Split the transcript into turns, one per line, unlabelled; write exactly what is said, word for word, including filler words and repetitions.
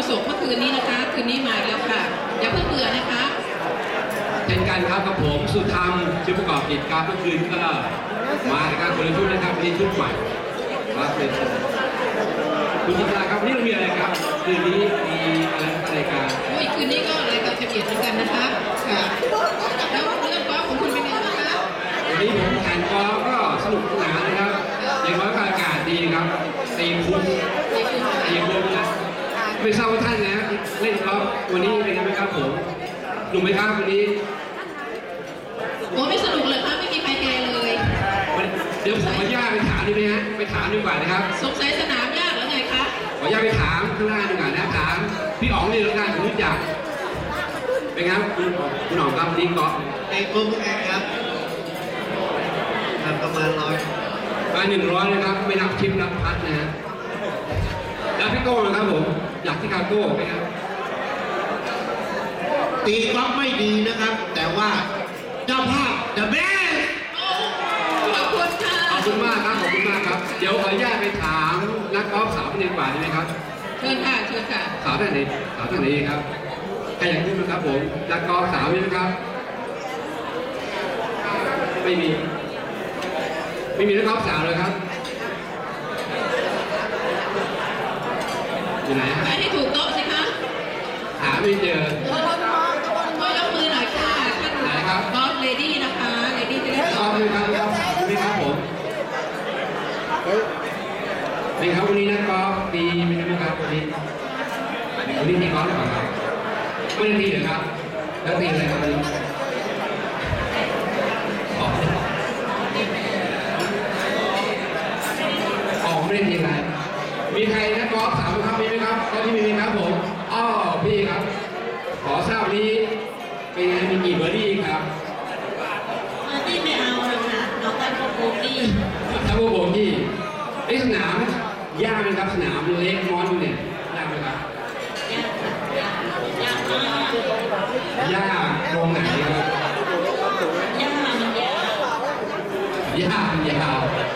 สบเมื่อคืนนี้นะคะคืนนี้มาแล้วค่ะอย่าเพิ่งเบื่อนะคะ
เป็นการครับกับผมสุธรรมชื่อประกอบกิจการเมื่อคืนก็มาในการคนละชุดนะครับนี่ชุดใหม่ครับเป็นคุณจิตราครับนี่เรามีอะไรครับคืนนี้มีอะไรรายการ
โอ้ยคืนนี้ก็รายการจะเบียดเหมือนกันนะคะค่ะแล้วเรื่องกอล์ฟของคุณเป็นไงบ้างคะ
วันนี้ผมแข่งกอล์ฟก็สนุกสนานนะครับอย่างน้อยก็อากาศดีครับตีคุ้มตีคุ้มนะไม่ทราบว่าท่านนะเล่นกอล์ฟวันนี้เป็นไงไหมครับผมหนุ่มไหมครับวันนี้
โอ้ไม่สนุกเลยครับไม่มีใครแคร์เลย
เดี๋ยวผมขออนุญาตไปถามดีไหมฮะไปถามดีกว่านะครับ
สงสัยสนามยากหรือไงคะ
ขออนุญาตไปถามข้างหน้าดีกว่านะถามพี่อ๋องนี่แล้วกันผมรู้จักเป็นไงครับคุณคุณอ๋องครับดีเกาะ
ไอ้กุ้งแองครับทำประมาณร้อย
ประมาณหนึ่งร้อยนะครับไม่นับทิปนับพัดนะฮะแล้วพี่โก้นะครับผมอยากที่คาโก้ไหมครับ
ตีกอล์ฟไม่ดีนะครับแต่ว่าเจ้าภาพ The Best
ขอบคุณค่ะ
ขอบคุณมากครับขอบคุณมากครับเดี๋ยวขออนุญาตไปถามนักกอล์ฟสาวคนนี้กว่าได้ไหมครับ
เชิญค่ะเชิญค่ะ
สาวท่านไหนสาวท่านไหนครับใครอยากพูดไหมครับผมนักกอล์ฟสาวมีไหมครับไม่มีไม่มีนักกอล์ฟสาวเลยครับอยู่ไหนฮะ
ไปให้ถูกโต๊ะสิคะ
หาไม่เจอ
ก็ยกมือหน่อยค่ะท่าน
ไหนครับ
กอล์ฟเลดี้นะคะเลดี้จะได้
กอล์ฟเลยครับกอล์ฟสาวไหมครับผมเป็นครับวันนี้นักกอล์ฟดีไหมครับวันนี้วันนี้ตีกอล์ฟหรือเปล่าครับไม่ได้ตีเหรอครับแล้วตีอะไรครับวันนี้อ๋อไม่ได้ตีอะไรมีใครนักกอล์ฟสาวครับมีไหมครับตอนที่มีครับผมอ๋อพี่ครับขอทราบนี้เป็นไงมีกี่เบอร์ดี้ครับ
เบอร์ดี้ไม่เอาเลยค่ะเอาแต่โบกี้
ถ้าโบกี้ไอ้สนามยากไหมครับสนามเล็กมอนเนี่ยยากไหมครับ
ยากยากมาก
ยากตรงไหนครับ
ยากมันยาวย
ากมันยาว